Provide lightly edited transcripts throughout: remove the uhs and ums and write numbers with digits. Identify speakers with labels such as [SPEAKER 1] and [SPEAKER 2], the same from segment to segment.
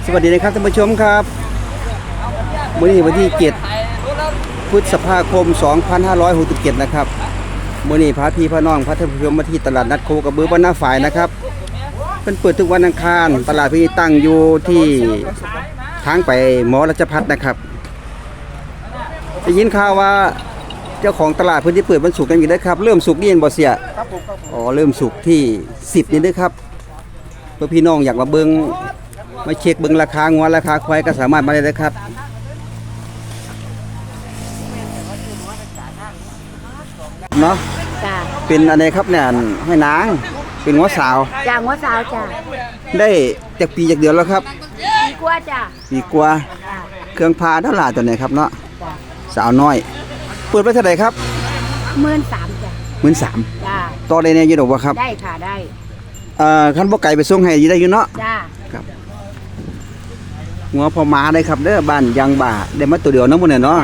[SPEAKER 1] วัสดีนะครับท่านผู้ชมครับวันนี้วันที่7พฤษภาคม 2567นะครับวันนี้พาพี่พาน้องพาท่านผู้ชมมาที่ตลาดนัดโคกระบือบ้านนาฝ่ายนะครับเป็นเปิดทุกวันอังคารตลาดที่ตั้งอยู่ที่ทางไปหมอรัชพัฒน์นะครับได้ยินข่าวว่าเจ้าของตลาดพื้นที่เปิดวันศุกร์กันอยู่ได้ครับเริ่มศุกร์นี่เองบ่เสียอ๋อเริ่มศุกร์ที่10นี่ด้วยครับเพื่อพี่น้องอยากมาเบิ่งมาเช็คเบิ่งราคางัวราคาควายก็สามารถมาได้เลยครับเนาะ
[SPEAKER 2] จ้า
[SPEAKER 1] เป็นอะไรครับเนี่ยให้นางเป็นงัวสาว
[SPEAKER 2] จ้างัวสาวจ้า
[SPEAKER 1] ได้จากปีจากเดือนแล้วครับ
[SPEAKER 2] ปีกว่าจ้า
[SPEAKER 1] ปีกว่าเครื่องพาเท่าไหร่ตัวไหนครับเนาะสาวน้อยเปิดไปเท่าไหร่ครับ
[SPEAKER 2] 13,000จ้า
[SPEAKER 1] 13,000
[SPEAKER 2] จ้า
[SPEAKER 1] ต่อได้เนี่ยอยู่ดอกบ่ครับ
[SPEAKER 2] ได้ค่ะได้
[SPEAKER 1] คันบ่ไก่ไปส่งให้ได้อยู่เนาะ
[SPEAKER 2] จ้า
[SPEAKER 1] ครับงัวพอมาได้ครับเด้อบ้านยางบ่าได้มาตัวเดียวเนาะมื้อนี้เนาะ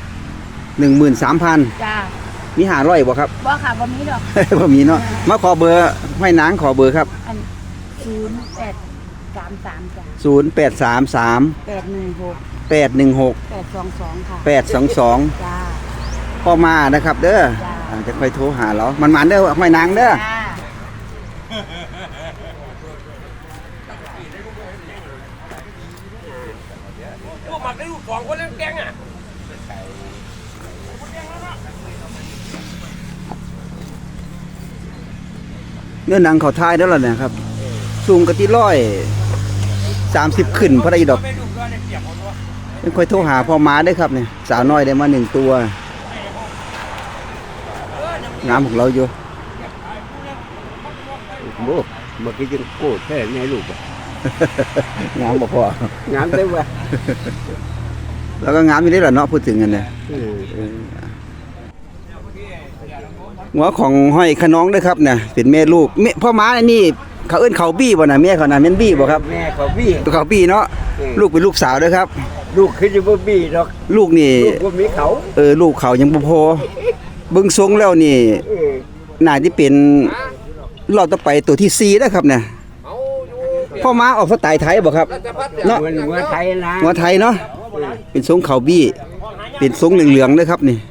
[SPEAKER 1] 13,000
[SPEAKER 2] จ้า
[SPEAKER 1] มี500บ่ครับ
[SPEAKER 2] บ่ค่ะบ่มีดอก
[SPEAKER 1] บ่มีเนาะมาขอเบอร์ให้นางขอเบอร์ครับ
[SPEAKER 2] 0833จ้า
[SPEAKER 1] 0833
[SPEAKER 2] 816
[SPEAKER 1] 816
[SPEAKER 2] 822ค่ะ
[SPEAKER 1] 822
[SPEAKER 2] จ้า
[SPEAKER 1] พ่อมานะครับเด้อจะค่อยโทรหาเรามันเด้อห้อยนางเด้อ
[SPEAKER 3] พวกมันได้ลูก2คนเล่นแกงอ่ะ
[SPEAKER 1] เนื้อหนังเขาทายแล้วล่ะเนี่ยครับสูงกะที่130ขึ้นพอได้ดอกไม่ค่อยโทรหาพ่อมาได้ครับเนี่ยสาวน้อยได้มา1ตัวงามของเราอยู่
[SPEAKER 4] โบ้เมื่อกี้ยังโกรธแค่ไงลูกอ่ะ
[SPEAKER 1] งามบ่พอง
[SPEAKER 4] ามได้ว่ะ
[SPEAKER 1] แล้วก็งามอยู่ได้ล่ะเนาะพูดถึงกันเนี่ยหัวของห้อยขน้องด้วยครับเนี่ยเป็นแม่ลูกพ่อม้าอันนี้เขาเอิ้นเขาบี้บ่น่ะแม่เขาน่ะแม่นบี้บ่ครับ
[SPEAKER 4] แม่เขาบี้
[SPEAKER 1] ตัวเขาบี้เนาะลูกเป็นลูกสาวด้วยครับ
[SPEAKER 4] ลูกคือจะบ่บี้ดอก
[SPEAKER 1] ลูกนี่
[SPEAKER 4] ลูกบ่มีเขา
[SPEAKER 1] ลูกเขายังบ่พอเบิ่งทรงแล้วนี่น่าที่เป็นรอบต่อไปตัวที่4นะครับเนี่ยพ่อม้าออกสไตล์ไทยบ่ครับเนาะ
[SPEAKER 4] หัวไทยนะ
[SPEAKER 1] หัวไทยเนาะเป็นทรงเขาบี้เป็นทรงเหลืองๆด้วยครับนี่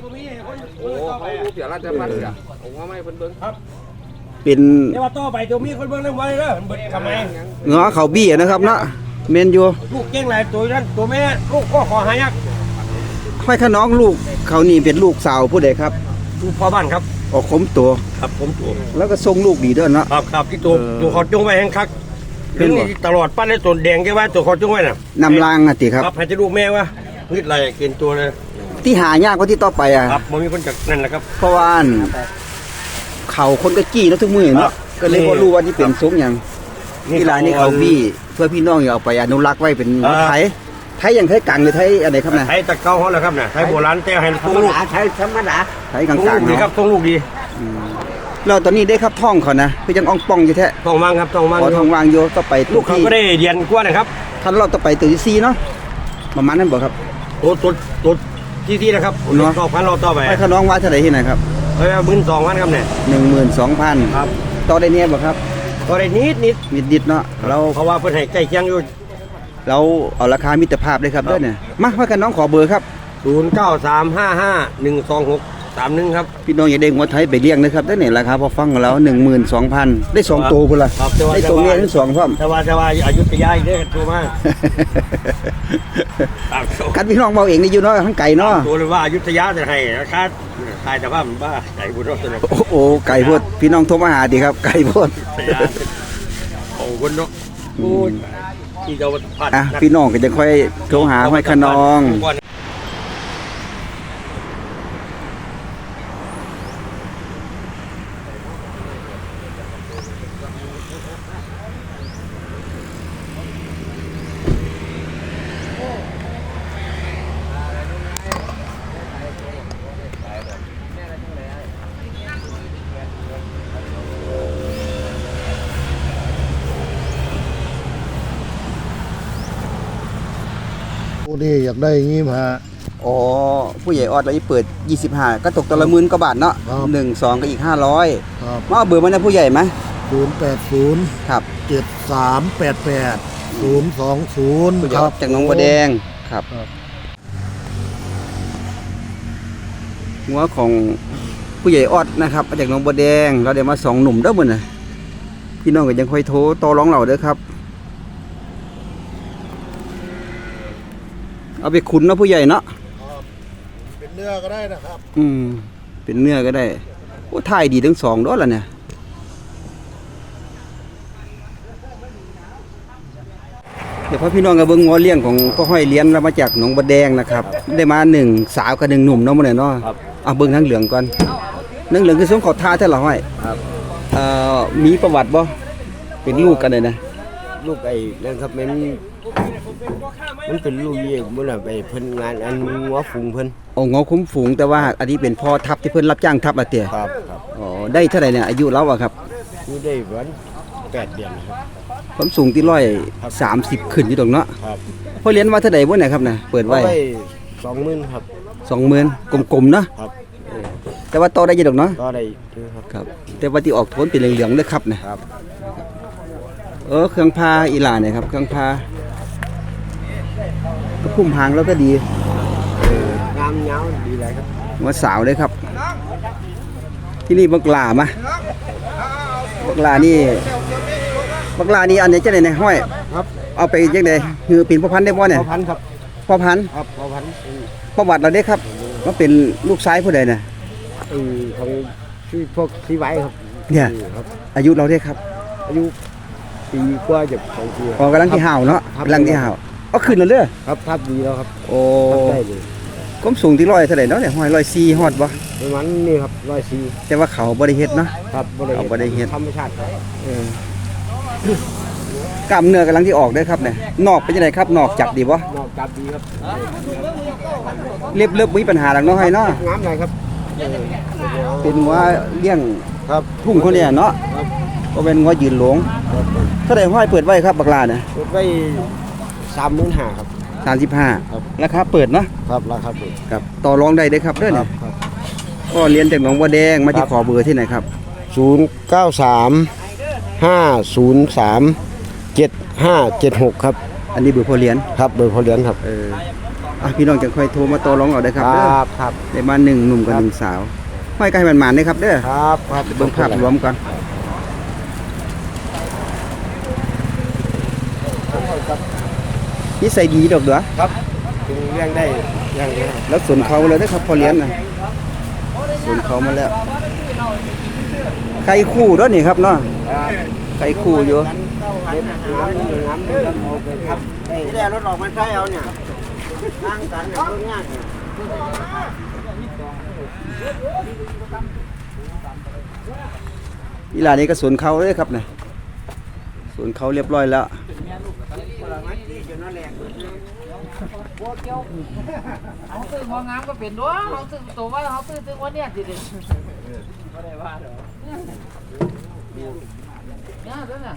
[SPEAKER 1] เป็น
[SPEAKER 3] เดี๋ยวว่าต่อไปตัวมีคนเบิ่งเรื่องไว้เด้อเบิดทำไม
[SPEAKER 1] เงาะเขาบี้นะครับเนาะเมนอยู่
[SPEAKER 3] ลูกเก่งหลายตัวนั้นตัวแม่ลูกก็ขอหายัก
[SPEAKER 1] ห้อยขน้องลูกเขานี่เป็นลูกสาวผู้ใดครับ
[SPEAKER 3] ลูกพ่อบ้านครับ
[SPEAKER 1] ออกคมตัว
[SPEAKER 3] ครับผมตัว
[SPEAKER 1] แล้วก็ทรงลูกดีด้วยเนาะ
[SPEAKER 3] ครับที่ตัวเขาจุ้งไว้แห้งคักเป็นตลอดปั้นในตัวแดงแค่ว่าตัวเขาจุ้งไว้น่ะ
[SPEAKER 1] นำรางอ่ะติครับ
[SPEAKER 3] ครับให้จะลูกแม่วะนิดไรเกินตัวเลย
[SPEAKER 1] ที่หายากกว่าที่ต่อไปอ่ะ
[SPEAKER 3] ครับมันมีคนจากนั่นแหละครับ
[SPEAKER 1] เพราะว่าเขาคนก็จี้แล้วทุกมือเนาะก็เลยพอรู้ว่าที่เป็นทรงอย่างที่ร้านนี้เขาบี้เพื่อพี่น้องอย่าเอาไปอนุรักษ์ไว้เป็นไทยอย่างไทยกลางหรือไทยอะไรครับนะ
[SPEAKER 3] ไทยตะเกาเขาแหละครับนะไทยโบราณแต่ให้ทรงลูก
[SPEAKER 4] ไทยธรรมดา
[SPEAKER 1] ไทยกลางๆ
[SPEAKER 3] ดีครับทรงลูกดี
[SPEAKER 1] เราตอนนี้ได้ครับท่องเขานะพี่ยังอ่องป่องอยู่แท้
[SPEAKER 3] ท่องวางครับท่องวาง
[SPEAKER 1] ท่องวางโยต่อไป
[SPEAKER 3] ลูกเขาก็ได้เรียนกว่านะครับ
[SPEAKER 1] ท่านเราต่อไปตัวที่4เนาะประมาณนั้นบ่ครับ
[SPEAKER 3] ตัวที่นะครับต่อพันเราต่อไป
[SPEAKER 1] ให้ขน้องว่าเท่าไหร่ที่ไหนครับ
[SPEAKER 3] 12,000ครับเนี่ย
[SPEAKER 1] 12,000
[SPEAKER 3] ครับ
[SPEAKER 1] ต่อได้เนี่ยบ่ครับ
[SPEAKER 3] ต่อได้นิด
[SPEAKER 1] เนาะเรา
[SPEAKER 3] เพราะว่าเพิ่นให้ใกล้เคียงอยู่
[SPEAKER 1] เราเอาราคามิตรภาพเลยครับเด้อเนี่ยมาให้ขน้องขอเบอร์ครับ
[SPEAKER 3] 0935512631ครับ
[SPEAKER 1] พี่น้องอย่าได้งัวไทยไปเลี้ยงนะครับเด้อเนี่ยราคาพอฟังแล้ว 12,000ได้2ตัวพุ่นล่ะได้ตัวเมียทั้ง2พร้อม
[SPEAKER 3] แต่ว่าอยุธยาอีกเด้อตัวมา
[SPEAKER 1] กันพี่น้องเว้าเองนี่อยู่เนาะทั้งไก่เนาะ
[SPEAKER 3] ตัวเลยว่าอยุธยาจะให้ราคาขายแต่ว่ามันบ้าไก่พุ่นเนาะ
[SPEAKER 1] โอ้ไก่พุ่นพี่น้องโทรมาหาดิครับไก่พุ่น
[SPEAKER 3] โอ้พุ่นเนาะโอ้ยที่เราผัด
[SPEAKER 1] พี่น้องก็จะค่อยโทรหาห้อยขน้อง
[SPEAKER 4] ผู้นี้อยากได้งี้มา
[SPEAKER 1] อ๋อผู้ใหญ่ออดเราเปิด25ก็ตกตัวละ10,000กว่าบาทเนาะ1 2ก็อีก500มาเอาเบอร์มานะผู้ใหญ่มั้ย
[SPEAKER 4] 080
[SPEAKER 1] ครับ
[SPEAKER 4] 7388 020ครับ
[SPEAKER 1] จากหนองบัวแดงครับ
[SPEAKER 4] ครับ
[SPEAKER 1] หัวของผู้ใหญ่ออดนะครับมาจากหนองบัวแดงเราได้มา2หนุ่มเด้อมื้อน่ะพี่น้องก็ยังค่อยโทรต่อรองเราเด้อครับเอาไปขุนเนาะผู้ใหญ่เนาะ
[SPEAKER 4] เป็นเนื้อก็ได้นะครับ
[SPEAKER 1] เป็นเนื้อก็ได้โอ้ถ่ายดีทั้งสองเด้อล่ะเนี่ยเดี๋ยวพ่อพี่น้องกับเบิ่งงัวเลี้ยงของพ่อห้อยเลี้ยงเรามาจากหนองบัวแดงนะครับได้มา1สาวกับ1หนุ่มเนาะมื้อนี้เนาะเอาเบิ่งทั้งเหลืองก่อนทั้งเหลืองคือสงขอท่าแท้ล่ะห้อยมีประวัติบ่เป็นลูกกันเลยนะ
[SPEAKER 3] ลูกไอ้นั่นครับมันเป็นลูกเยี่ยมมันไปเพิ่นงานอันหัวฝูงเพิ่น
[SPEAKER 1] โอ้งอคุ้มฝูงแต่ว่าอันนี้เป็นพ่อทัพที่เพิ่นรับจ้างทัพอ่ะเตี่ย
[SPEAKER 3] ครับ
[SPEAKER 1] อ๋อได้เท่าไหร่เนี่ยอายุแล้วอะครับ
[SPEAKER 3] นี่ได้วัน8เดือนครับ
[SPEAKER 1] ความสูงที่130ขึ้นอยู่ตรงเนาะ
[SPEAKER 3] ครับ
[SPEAKER 1] พ่อเลี้ยงว่าเท่าไหร่บ่เนี่ยครับน่ะเปิดไว้
[SPEAKER 3] 20,000ครับ
[SPEAKER 1] 20,000กลมๆเนาะ
[SPEAKER 3] ครับ
[SPEAKER 1] แต่ว่าโตได้อยู่ดอกเนาะ
[SPEAKER 3] ก็ได้อยู่ครับ
[SPEAKER 1] ครับแต่ว่าที่ออกโทนเป็นเหลืองๆเด้อครับนะครับ เครื่องพาอีหลาเนี่ยครับเครื่องพาก็พุ่มหางแล้วก็ดี
[SPEAKER 3] งามยาวดีเลยครับ
[SPEAKER 1] หัวสาวเลยครับ ที่นี่บักหลามาบักหลานี่อันนี้จะได้ในห้อย
[SPEAKER 3] ครับ
[SPEAKER 1] เอาไปจังได๋คือเป็นพ่อพันธุ์ได้บ่เนี่ย
[SPEAKER 3] พ่อพันธุ์ครับ
[SPEAKER 1] พ่อพันธุ์
[SPEAKER 3] ครับพ่อพันธุ์
[SPEAKER 1] ประวัติเราได้ครับว่าเป็นลูกชายผู้ใดน่ะ
[SPEAKER 3] ของที่พวกที่ไว้ครับ
[SPEAKER 1] เนี่ย
[SPEAKER 3] ครับ
[SPEAKER 1] อายุเราได้ครับ
[SPEAKER 3] อายุปีกว่าจะ2ปี
[SPEAKER 1] กำลังที่ห่าวเนาะ
[SPEAKER 3] ครับ
[SPEAKER 1] กำลังที่ห่าวเอาขึ้นแล้วเด้อ
[SPEAKER 3] ครับทับดีแล้วครับ
[SPEAKER 1] โอ้
[SPEAKER 3] ทับได้เลย
[SPEAKER 1] ความสูงที่100เท่าไหร่เนาะเนี่ยห้อย104ฮอดบ่
[SPEAKER 3] ประมาณนี้ครับ104
[SPEAKER 1] แต่ว่าเขาบ่ได้เฮ็ดเนาะ
[SPEAKER 3] ครับ
[SPEAKER 1] เอาบ่ได้เฮ็ด
[SPEAKER 3] ธรรมชาติครับ
[SPEAKER 1] กล้ามเนื้อกำลังที่ออกได้อครับเนี่ยนอกเป็นจังไดครับนอกจับดีบ่
[SPEAKER 3] นอกจากดีครับ
[SPEAKER 1] เรียบมีปัญหาหลังเนาะให้เนาะ
[SPEAKER 3] งามเลยครับ
[SPEAKER 1] เป็นหัวเลี้ยง
[SPEAKER 3] ครับ
[SPEAKER 1] ทุ่งเขาเนี่ยเนาะ
[SPEAKER 3] ครับ
[SPEAKER 1] ก็เป็นหัวยืนหลงเท่าไหร่ห้อยเปิดไว้ครับบักลาเนี่ย
[SPEAKER 3] รถไว้35,000ครับ ครับ
[SPEAKER 1] 35ราคาเปิดเนาะ
[SPEAKER 3] ครับราคาถูก
[SPEAKER 1] ครับต่อรองได้เด้อครับเด้อ
[SPEAKER 3] ค
[SPEAKER 1] เนี่
[SPEAKER 3] รั
[SPEAKER 1] ย
[SPEAKER 3] บครับ
[SPEAKER 1] ก็เรียนจากหนองบัวแดงมาที่
[SPEAKER 3] ครับ
[SPEAKER 1] ขอเบอร์ที่ไหนครับ
[SPEAKER 3] 093 503 7576ครับ
[SPEAKER 1] อันนี้เบอร์พ่อเรียน
[SPEAKER 3] ครับโดยพอเลี้ยงครับ
[SPEAKER 1] พี่น้องจะค่อยโทรมาต่อรองเอาได้อครับเด้อ
[SPEAKER 3] ครับ
[SPEAKER 1] ได้มา1หนุ่มกับ1สาวห้อยไก่มันหมานๆเด้อครับเด้อ
[SPEAKER 3] ครับครับ
[SPEAKER 1] เบิ่งภาพรวมก่อนนิสัยดีดอกเด้อ
[SPEAKER 3] ครับถึงเลี้ยงได้เลี้ยงได้
[SPEAKER 1] แล้วสวนเขาเลยนะครับพอเลี้ยงนะสวนเขามาแล้วไข่คู่ด้วยนี่ครับเนาะไข่คู่อยู่
[SPEAKER 3] งามเอาไปครับที่แรกรถออกมาใช้เอาเนี่ยตั้งกันเนี่ยรถง่ายเนี่ย
[SPEAKER 1] อีหลานี่ก็สวนเขาเลยครับเนี่ยสวนเขาเรียบร้อยแล้ว
[SPEAKER 5] เขาซื้อของงามก็เป็นด้วยเขาซื้อตัวว่าเขาซื้อวันเนี้ยสิเด็กไม่ได้ว่าเด้อเนี่ยเด้อเนี่ย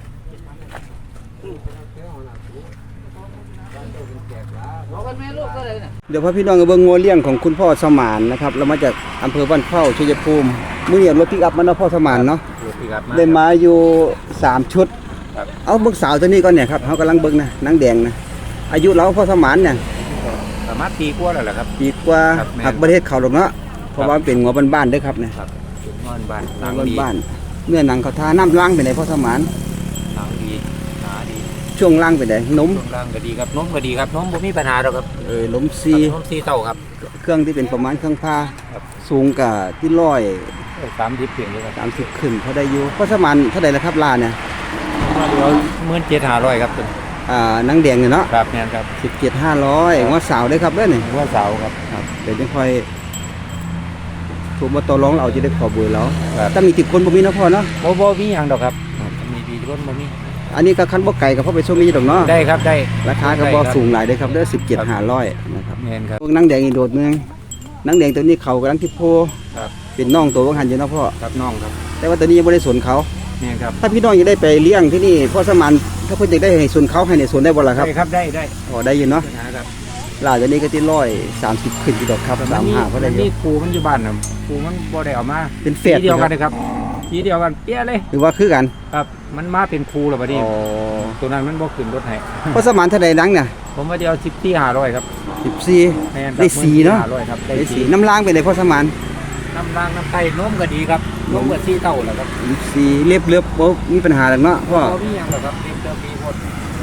[SPEAKER 5] บอกกันแม่ลูกก็เลยเนี่ย
[SPEAKER 1] เดี๋ยวพาพี่น้องกับเบิ่งงัวเลี้ยงของคุณพ่อสมานนะครับเรามาจากอำเภอบ้านเข้าชัยภูมิมื้อนี้รถปิกอัพมาเนาะพ่อสมานเนาะได้มาอยู่3ชุดเอาเบิ่งสาวตัวนี้ก่อนเนี่ยครับเฮากำลังเบิ่งนะนางแดงนะอายุเราพ่อสมานเนี่ย
[SPEAKER 6] ประมาณปีกว่าแล้วแหละครับ
[SPEAKER 1] ปีกว่า
[SPEAKER 6] ครับแม่น
[SPEAKER 1] หักประเทศเขาดอกเนาะเพราะว่ามันเป็นงัวบ้านๆเด้อครับเนี่ย
[SPEAKER 6] นอนบ้านหนัง
[SPEAKER 1] งัว
[SPEAKER 6] ดี
[SPEAKER 1] บ้านๆเนื้อหนังเขาทาน้ำล้างไปไหนพ่อสมาน
[SPEAKER 6] หนังดีหนาดี
[SPEAKER 1] ช่วงล่างไปไหนนม
[SPEAKER 6] ช่วงล่างก็ดีครับน้มก็ดีครับน้มบ่มีปัญหาหรอกครับ
[SPEAKER 1] ลมซี
[SPEAKER 6] น้มซีเต้าครับ
[SPEAKER 1] เครื่องที่เป็นประมาณเครื่องผ้า
[SPEAKER 6] ครับ
[SPEAKER 1] สูงกับที่
[SPEAKER 6] 30เพียงเลยครับ
[SPEAKER 1] 130ขึ้นเขาได้อยู่พ่อสมานเท่าไหร่ละครับลาเนี่ย
[SPEAKER 6] เดี๋ยว17,500ครับตัว
[SPEAKER 1] นังแดงเนี่ยเนาะ
[SPEAKER 6] ครับแม่นครับ
[SPEAKER 1] 17,500งัวสาวได้ครับเด้อนี่
[SPEAKER 6] หัวเสาครับ
[SPEAKER 1] ครับเดี๋ยวจะค่อยถูกมาต่อรองเราจะได้ขอเบอร์แล้ว
[SPEAKER 6] ครับ
[SPEAKER 1] ถ้ามีติดคนบ่มีเนาะพ่อเนาะ
[SPEAKER 6] บ่มีหยังดอกครับมีดีคนบ่มี
[SPEAKER 1] อันนี้ก็คันบ่ไก่กับพ่อไปส่งนี้ดอกเนาะ
[SPEAKER 6] ได้ครับได้
[SPEAKER 1] ราคาก็บ่สูงหลายเด้อครับเด้อ17,500นะครับ
[SPEAKER 6] แม่นครับ
[SPEAKER 1] พวกนังแดงอีกโดดหนึงนังแดงตัวนี้เขากำลังที่โพ
[SPEAKER 6] ครับ
[SPEAKER 1] เป็นน้องตัวว่าหันอยู่เนาะพ่อ
[SPEAKER 6] ครับน้องครับ
[SPEAKER 1] แต่ว่าตัวนี้ยังบ่ได้สวนเขา
[SPEAKER 6] แม่นครับ
[SPEAKER 1] ถ้าพี่น้องอยากได้ไปเลี้ยงที่นี่พ่อสมานถ้าเพิ่นอยากได้ให้สวนเขาให้ในสวนได้บ่ล่ะครับ
[SPEAKER 6] ได้ครับได้
[SPEAKER 1] อ๋อได้อยู่เนาะ
[SPEAKER 6] ปัญหาครับ
[SPEAKER 1] ลาตัวนี้ก็ที่130ขึ้นอยู่ดอกครับ35เพราะได้
[SPEAKER 6] มัน
[SPEAKER 1] อยู่
[SPEAKER 6] มีครูมันอยู่บ้านน่ะครูมันบ่ได้เอามา
[SPEAKER 1] เป็นเฟส
[SPEAKER 6] ปีเดียวกันนะครับสีเดียวกันเปี้ยเลย
[SPEAKER 1] หรือว่าคือกัน
[SPEAKER 6] ครับมันมาเป็นครูแล้วบัดนี้
[SPEAKER 1] อ๋อ
[SPEAKER 6] ตัวนั้นมันบ่ขึ้นรถให้
[SPEAKER 1] พอสมานเท่าใดนังเนี่ย
[SPEAKER 6] ผมว่าเดียว10ที่500ครับ
[SPEAKER 1] 14
[SPEAKER 6] แม่นครับ
[SPEAKER 1] ได้สีเนาะ
[SPEAKER 6] 500ครับ
[SPEAKER 1] ได้สีน้ำล้างไปเลยพอสมาน
[SPEAKER 6] น้ำรางน้ำไก่นมก็ดีครับนมก็สีเท่าแล้วครับ
[SPEAKER 1] สีเรียบบ่มีปัญหาหรอกเนาะพ่อ
[SPEAKER 6] บ่มีหยังหรอกครับเรียบเติมมีหมด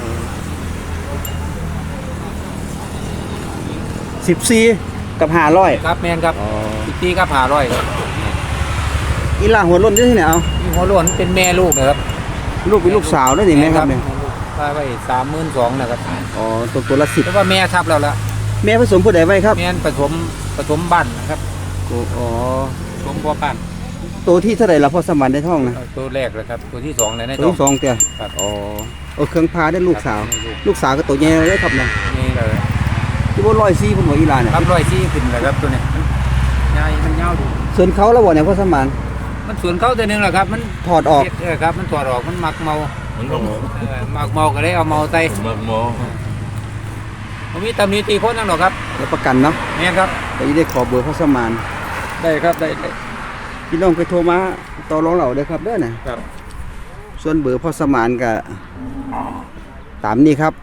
[SPEAKER 1] 14กับ500
[SPEAKER 6] ครับแม่นครับ
[SPEAKER 1] อ๋อ
[SPEAKER 6] 10ที่ครับ500ครับ
[SPEAKER 1] อีหลาหัวล้นอยู่ที่ไหนเอา
[SPEAKER 6] มีหัวโล้นเป็นแม่ลูกนะครับ
[SPEAKER 1] ลูกเป็นลูกสาวด้วยนี่แม่ครับเนี่ย
[SPEAKER 6] ว่าไว้32,000นะครับ
[SPEAKER 1] อ๋อตัวละ
[SPEAKER 6] แต่ว่าแม่ทับแล้วล่ะ
[SPEAKER 1] 10แม่ผสมผู้ใดไว้ครับ
[SPEAKER 6] แม่นผสมบ้านนะครับ
[SPEAKER 1] อ๋อ
[SPEAKER 6] ผสมพ่อปั้น
[SPEAKER 1] ตัวที่เท่าไหร่ละพ่อสมานได้ท้องนะ
[SPEAKER 6] ตัวแรกเลยครับตัวที่2เลยใน
[SPEAKER 1] ตัว
[SPEAKER 6] ท้อง
[SPEAKER 1] ที่สองเตี้ย
[SPEAKER 6] ครับ
[SPEAKER 1] อ๋อเอาเครื่องพาได้ลูกสาว
[SPEAKER 6] ครับ
[SPEAKER 1] ลูกสาวก็ตัวใหญ่เลยครับเนี่ย
[SPEAKER 6] นี่เลย
[SPEAKER 1] ที่บ่104พุ่นหัวอีหลาเนี่ย
[SPEAKER 6] ครับ104ขึ้นเลยครับตัวนี้มันใหญ่มันยาวดู
[SPEAKER 1] ส่วนเขาแล้วบ่เนี่ยพ่อสมาน
[SPEAKER 6] มันสวนเขาตัวหนึงแหละครับมัน
[SPEAKER 1] ถอดออก
[SPEAKER 6] ครับมันถอดออกมันมักเมามักเมาก็เลยเอาเมาใส่
[SPEAKER 3] มักหมอ
[SPEAKER 6] ผมมีตำหนิตีคนนั่นหรอกครับ
[SPEAKER 1] แล้วประกันเนาะ
[SPEAKER 6] เนี่ยครับ
[SPEAKER 1] แต่ยี่ได้ขอเบอร์พ่อสมาน
[SPEAKER 6] ได้ครับได้
[SPEAKER 1] พี่น้องไปโทรมาต่อรองเราเด้อครับเด้อน่ะ
[SPEAKER 6] ครับ
[SPEAKER 1] ส่วนเบอร์พ่อสมานก็ตามนี้ครับ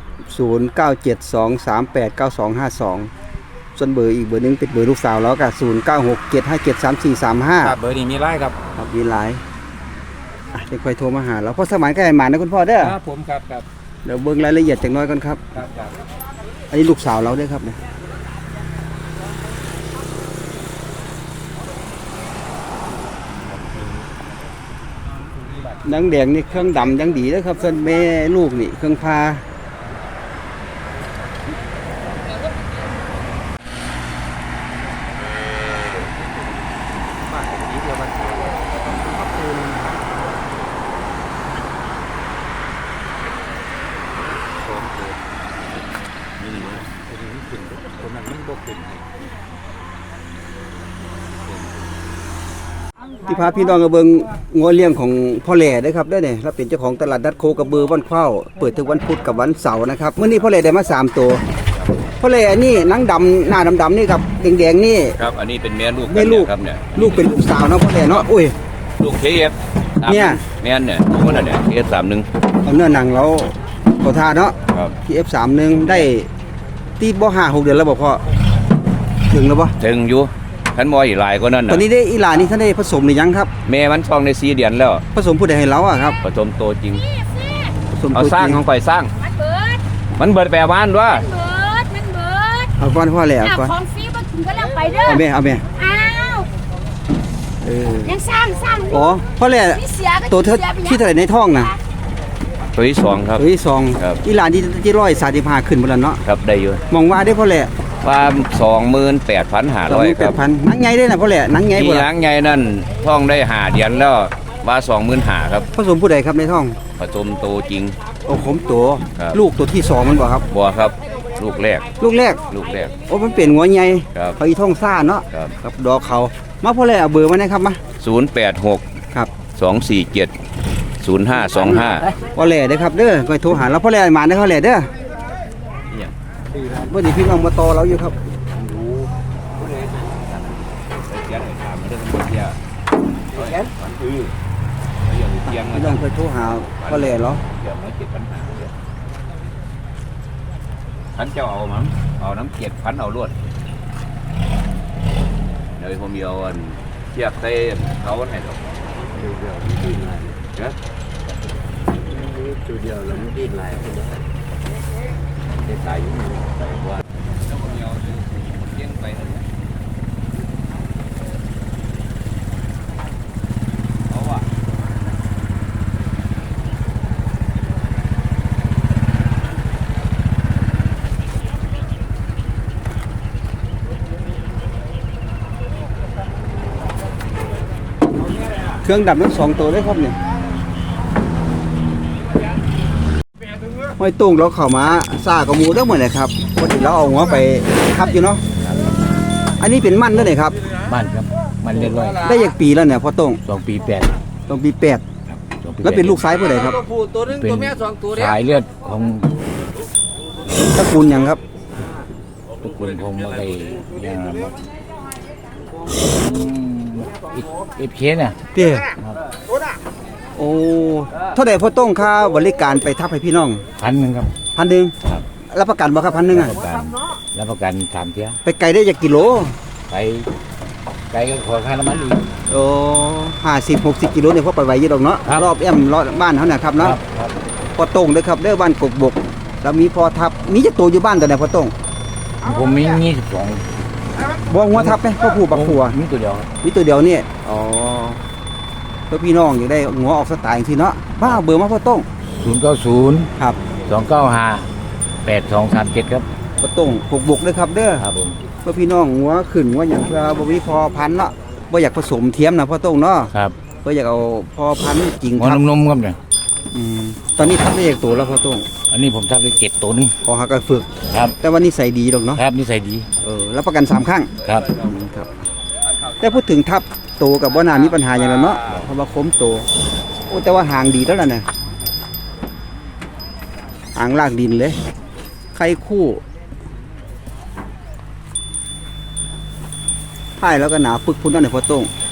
[SPEAKER 1] 0972389252ส่วนเบอร์อีกเบอร์หนึงเป็นเบอร์ลูกสาวแล้วก็0967573435
[SPEAKER 6] ครับเบอร์นี้มีไล่ครับ
[SPEAKER 1] ครับมีหลายเดี๋ยวค่อยโทรมาหาเราพ่อสมานก็ให้หมานะคุณพ่อเด้อ
[SPEAKER 6] ครับผมครับครับ
[SPEAKER 1] เดี๋ยวเบิ่งรายละเอียดจักหน้อยก่อนครับ
[SPEAKER 6] ครับครับ
[SPEAKER 1] อันนี้ลูกสาวเราด้วยครับเนี่ยนังแดงนี่เครื่องดำยังดีเลยครับส่วนแม่ลูกนี่เครื่องพาที่พาพี่น้องกระเบิงงัวเลี้ยงของพ่อแหล่เด้อครับเด้อเนี่ยเราเป็นเจ้าของตลาดนัดโคกระบือบ้านเข้าเปิดทุกวันพุธกับวันเสาร์นะครับเมื่อนี้พ่อแหล่ได้มา3ตัวพ่อแหล่นี่หนังดำหน้าดำๆนี่กับแดงๆนี่
[SPEAKER 7] ครับ อันนี้เป็นแม่ลูก
[SPEAKER 1] แม่ลูก
[SPEAKER 7] ครับเนี่ย
[SPEAKER 1] ลูกเป็นลูกสาวเนาะพ่อแหล่เนาะอุ้ย
[SPEAKER 7] ลูกเคเอฟ
[SPEAKER 1] เนี่ย
[SPEAKER 7] แม่นเนี่ยลูกมันเนี่ยเคเอฟ31
[SPEAKER 1] เอาเนื้อหนังเราขอทาเนาะ
[SPEAKER 7] ครับ
[SPEAKER 1] ที่ F31 ได้ตีบ่5-6เดือนแล้วบ่พ่อถึงแล้วบ่
[SPEAKER 7] ถึงอยู่ขันมอยอีกหลายก็นั่น
[SPEAKER 1] ตอน
[SPEAKER 7] น่ะ
[SPEAKER 1] นี้ได้อีหลานี่ท่านได้ผสมหรือยังครับ
[SPEAKER 7] แม่มันท้องใน4 เดือนแล้ว
[SPEAKER 1] ผสมผู้ใดให้เราอะครับ
[SPEAKER 7] ผสมโตจริง
[SPEAKER 1] ผสม
[SPEAKER 7] เอา
[SPEAKER 1] ตัว
[SPEAKER 7] สร้าง
[SPEAKER 1] จริง
[SPEAKER 7] ของข่อยสร้าง
[SPEAKER 2] มันเบิด
[SPEAKER 7] มันเบิดแปลบ้านด้วย
[SPEAKER 2] มันเบิดมันเบิด
[SPEAKER 1] เอาก่อนพ่อแหล่
[SPEAKER 2] อ้าว
[SPEAKER 1] ก่อน
[SPEAKER 2] ของฟรีมาถึงก็แล้วไปเด้อ
[SPEAKER 1] เอาแม่เอาแม่
[SPEAKER 2] อ้าว
[SPEAKER 1] เออ
[SPEAKER 2] ยังสร้างอยู่
[SPEAKER 1] อ๋อพ่อแหล่
[SPEAKER 2] นี่เสียก็
[SPEAKER 1] ตัวเธอ
[SPEAKER 2] สียไปยัง
[SPEAKER 1] ที่เท่าไหร่ในท้องน่ะ
[SPEAKER 7] ตัวที่2ครับ
[SPEAKER 1] เฮ้ยซอง
[SPEAKER 7] ครับ
[SPEAKER 1] อีหลานที่135ขึ้นบ่ล่ะเนาะ
[SPEAKER 7] ครับได้อยู่
[SPEAKER 1] มองว่าได้พ่อแหล่
[SPEAKER 7] ว่า28,500ครับ
[SPEAKER 1] 28,000หนังใหญ่ได้น่ะพ่อแหล่หนังใหญ่
[SPEAKER 7] ที่
[SPEAKER 1] บ่ล่ะ
[SPEAKER 7] ล้างใหญ่นั่นท้องได้5 เดือนแล้วว่า25,000ครับ
[SPEAKER 1] ผสมผู้ใดครับในท้อง
[SPEAKER 7] ผสมโตจริง
[SPEAKER 1] โอ้ผมตัว
[SPEAKER 7] ครับ
[SPEAKER 1] ลูกตัวที่2มันบ่ครับ
[SPEAKER 7] บัวครับ ลูกแรก
[SPEAKER 1] ลูกแรก
[SPEAKER 7] ลูกแรก
[SPEAKER 1] โอ้มันเป็นหัวใหญ่
[SPEAKER 7] ครับ
[SPEAKER 1] เขาอีท้องซ่าเนาะ
[SPEAKER 7] ครับ
[SPEAKER 1] ครับดอกเขามาพ่อแหล่เอาเบอร์มาได้ครับมา
[SPEAKER 7] 086
[SPEAKER 1] ครับ
[SPEAKER 7] 247 0525
[SPEAKER 1] พ่อแหล่เด้อครับเด้อก็โทรหาเราพ่อแหล่มาได้อพ่อแหล่เด้อ
[SPEAKER 7] เนี่ย
[SPEAKER 1] บ่ได้พี่น้องมาต่อเราอยู่ครับ พี่น้องเคยโทรหาพ่อแหล่เหรอ
[SPEAKER 7] พันเจ้าเอามั้งเอาน้ำเกล็ดพันเอาลวดเดี๋ยวผมเอาอันเทียบใส่เขาให้ดอกเดี๋ยวจุดเดียวแล้วมันดิ้นลายได้ตายอยู่ไปว่าแล้วผมเอาเลี้ยงไปนั่นแหละเอาว่ะ
[SPEAKER 1] เครื่องดับทั้ง2ตัวเลยครับเนี่ยห้อยตุ้งเราเข้ามาซ่ากับหมูเด้อหมดเลยครับปกติเราเอาหัวไปทับอยู่เนาะอันนี้เป็นมันเด้อเนี่ยครับ
[SPEAKER 6] บ้านครับมันเรียบร้อย
[SPEAKER 1] ได้ยักปีแล้วเนี่ยพ่อตุ้ง
[SPEAKER 6] 2 ปี
[SPEAKER 1] ต้องปี8แล้วเป็นลูกซ้ายผู้ใดครับ
[SPEAKER 5] ตัวผู้ตัวหนึงตัวแม่2ตัวเด้อ
[SPEAKER 6] สายเลือดของ
[SPEAKER 1] ตระกูลหยังครับ
[SPEAKER 6] ทุกคนคงมาได้ยาหมดอีเคเนี่ย
[SPEAKER 1] เด้โอ้เท่าใดพ่อต้องค่าบริการไปทับให้พี่น้อง
[SPEAKER 6] 1,000ครับ
[SPEAKER 1] 1,000
[SPEAKER 6] ครับ
[SPEAKER 1] รับประกันบ่ครับ1,000อ่ะ
[SPEAKER 6] รับประกัน3เที่ย
[SPEAKER 1] ไปไกลได้จากกิโล
[SPEAKER 6] ไปไกลก็ขอค่าน้ำมันอีก
[SPEAKER 1] โอ้50-60 กิโลเนี่ยพอไปไหวอยู่ดอกเนาะ
[SPEAKER 6] ครับ
[SPEAKER 1] รอบแอมรอบบ้านเฮาน่ะครับเนาะ
[SPEAKER 6] ครับ
[SPEAKER 1] พ่อต้องเด้อครับเด้อบ้านกกบกแล้วมีพ่อทับมีจักตัวอยู่บ้านตัวไหนพ่อต้อง
[SPEAKER 6] ผมมี22
[SPEAKER 1] บ่หัวทับไหมพ่อผู้บักผัว
[SPEAKER 6] มีตัวเดียว
[SPEAKER 1] มีตัวเดียวนี่อ๋อเพื่อพี่น้องอยากได้หัวออกสไตล์จังซี่เนาะบ้าเบอร์มาพ่อต้อง
[SPEAKER 6] 090
[SPEAKER 1] ครับ
[SPEAKER 6] 295 8237ครับ
[SPEAKER 1] พ่อต้องกกบกเด้อครับเด้อ
[SPEAKER 6] ครับผม
[SPEAKER 1] เพื่อพี่น้องหัวขึ้นหัวหยังเพื่อบ่มีพอพันธุ์เนาะบ่อยากผสมเทียมนะพ่อต้องเนาะ
[SPEAKER 6] ครับ
[SPEAKER 1] เพื่ออยากเอาพอพันธุ์จริง
[SPEAKER 6] หัว
[SPEAKER 1] ครับ
[SPEAKER 6] นมๆครับเนี่ย
[SPEAKER 1] ตอนนี้ทับได้จากตัวแล้วพ่อต้อง
[SPEAKER 6] อันนี้ผมทับได้7ตัวนึง
[SPEAKER 1] พอหากันฝึก
[SPEAKER 6] ครับ
[SPEAKER 1] แต่ว่านิสัยดีดอกเนาะ
[SPEAKER 6] ครับนิสัยดี
[SPEAKER 1] รับประกัน3ครั้ง
[SPEAKER 6] ครับ
[SPEAKER 1] ครับแต่พูดถึงทับโตกับบ่น่ามีปัญหาอย่างนั้นเนาะเพราะว่าคมโตโอ้แต่ว่าหางดีแล้วล่ะเนี่ยหางลากดินเลยไข่คู่ท้ายแล้วก็หนาปึกพุ่นนั่นเนี่ยพ่อต้อง